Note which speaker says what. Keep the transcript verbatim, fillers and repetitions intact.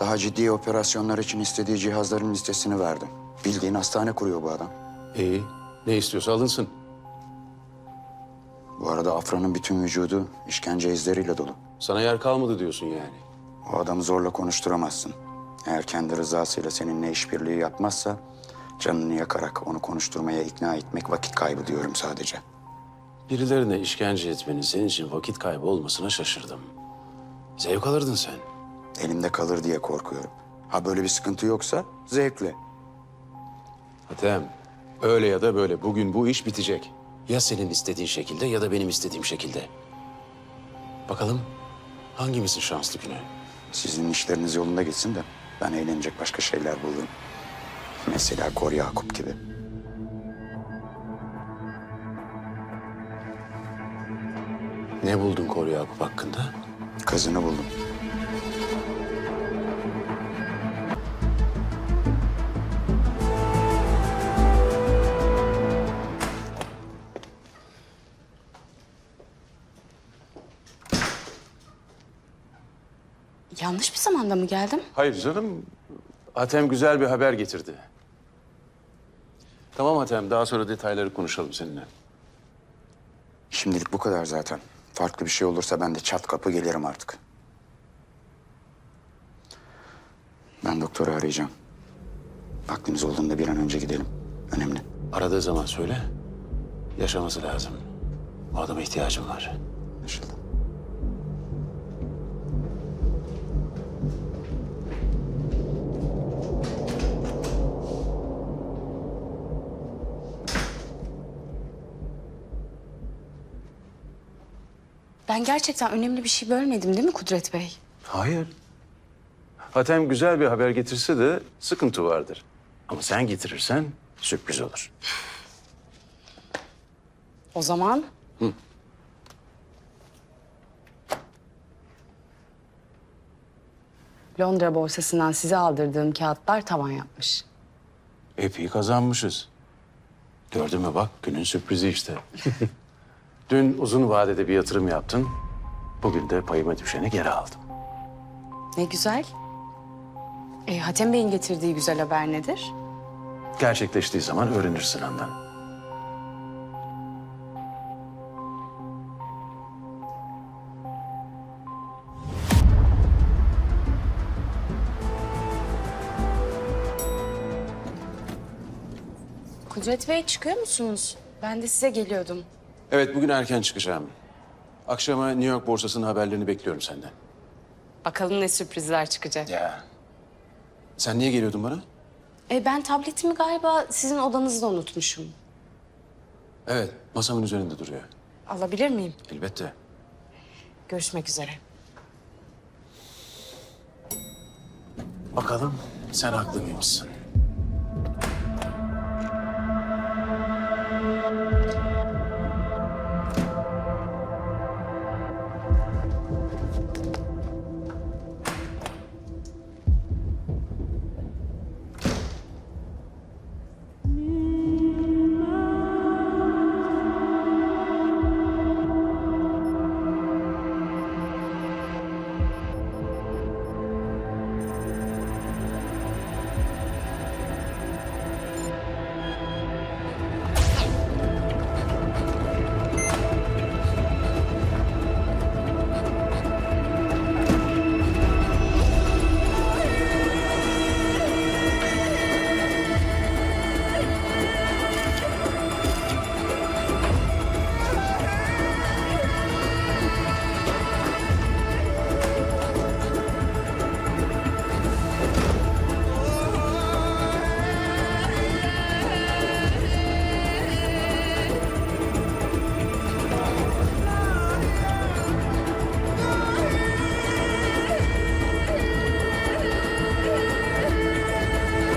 Speaker 1: Daha ciddi operasyonlar için istediği cihazların listesini verdim. Bildiğin hastane kuruyor bu adam.
Speaker 2: İyi. Ne istiyorsa alınsın.
Speaker 1: Bu arada Afra'nın bütün vücudu işkence izleriyle dolu.
Speaker 2: Sana yer kalmadı diyorsun yani.
Speaker 1: O adamı zorla konuşturamazsın. Eğer kendi rızasıyla seninle işbirliği yapmazsa... ...canını yakarak onu konuşturmaya ikna etmek vakit kaybı diyorum sadece.
Speaker 2: Birilerine işkence etmenin senin için vakit kaybı olmasına şaşırdım. Zevk alırdın sen.
Speaker 1: Elimde kalır diye korkuyorum. Ha böyle bir sıkıntı yoksa zevkle.
Speaker 2: Hatem, öyle ya da böyle bugün bu iş bitecek. Ya senin istediğin şekilde ya da benim istediğim şekilde. Bakalım hangimizin şanslı günü?
Speaker 1: Sizin işleriniz yolunda gitsin de ben eğlenecek başka şeyler bulurum. Mesela Kor Yakup gibi.
Speaker 2: Ne buldun Kor Yakup hakkında?
Speaker 1: Kızını buldum.
Speaker 3: Yanlış bir zamanda mı geldim?
Speaker 2: Hayır canım. Hatem güzel bir haber getirdi. Tamam Hatem, daha sonra detayları konuşalım seninle.
Speaker 1: Şimdilik bu kadar zaten. Farklı bir şey olursa ben de çat kapı gelirim artık. Ben doktoru arayacağım. Vaktimiz olduğunda bir an önce gidelim. Önemli.
Speaker 2: Aradığı zaman söyle. Yaşaması lazım. O adama ihtiyacım var.
Speaker 1: Anlaşıldı.
Speaker 3: Ben gerçekten önemli bir şey bölmedim değil mi Kudret Bey?
Speaker 2: Hayır. Hatem güzel bir haber getirse de sıkıntı vardır. Ama sen getirirsen sürpriz olur.
Speaker 3: O zaman...
Speaker 2: Hı.
Speaker 3: Londra borsasından size aldırdığım kağıtlar tavan yapmış.
Speaker 2: Epey kazanmışız. Gördün mü bak, günün sürprizi işte. Dün uzun vadede bir yatırım yaptın. Bugün de payıma düşeni geri aldım.
Speaker 3: Ne güzel. E, Hatem Bey'in getirdiği güzel haber nedir?
Speaker 2: Gerçekleştiği zaman öğrenirsin Handan.
Speaker 3: Kudret Bey çıkıyor musunuz? Ben de size geliyordum.
Speaker 2: Evet, bugün erken çıkacağım. Akşama New York borsasının haberlerini bekliyorum senden.
Speaker 3: Bakalım ne sürprizler çıkacak.
Speaker 2: Ya. Sen niye geliyordun bana?
Speaker 3: E, ben tabletimi galiba sizin odanızda unutmuşum.
Speaker 2: Evet, masamın üzerinde duruyor.
Speaker 3: Alabilir miyim?
Speaker 2: Elbette.
Speaker 3: Görüşmek üzere.
Speaker 2: Bakalım sen haklı mıymışsın?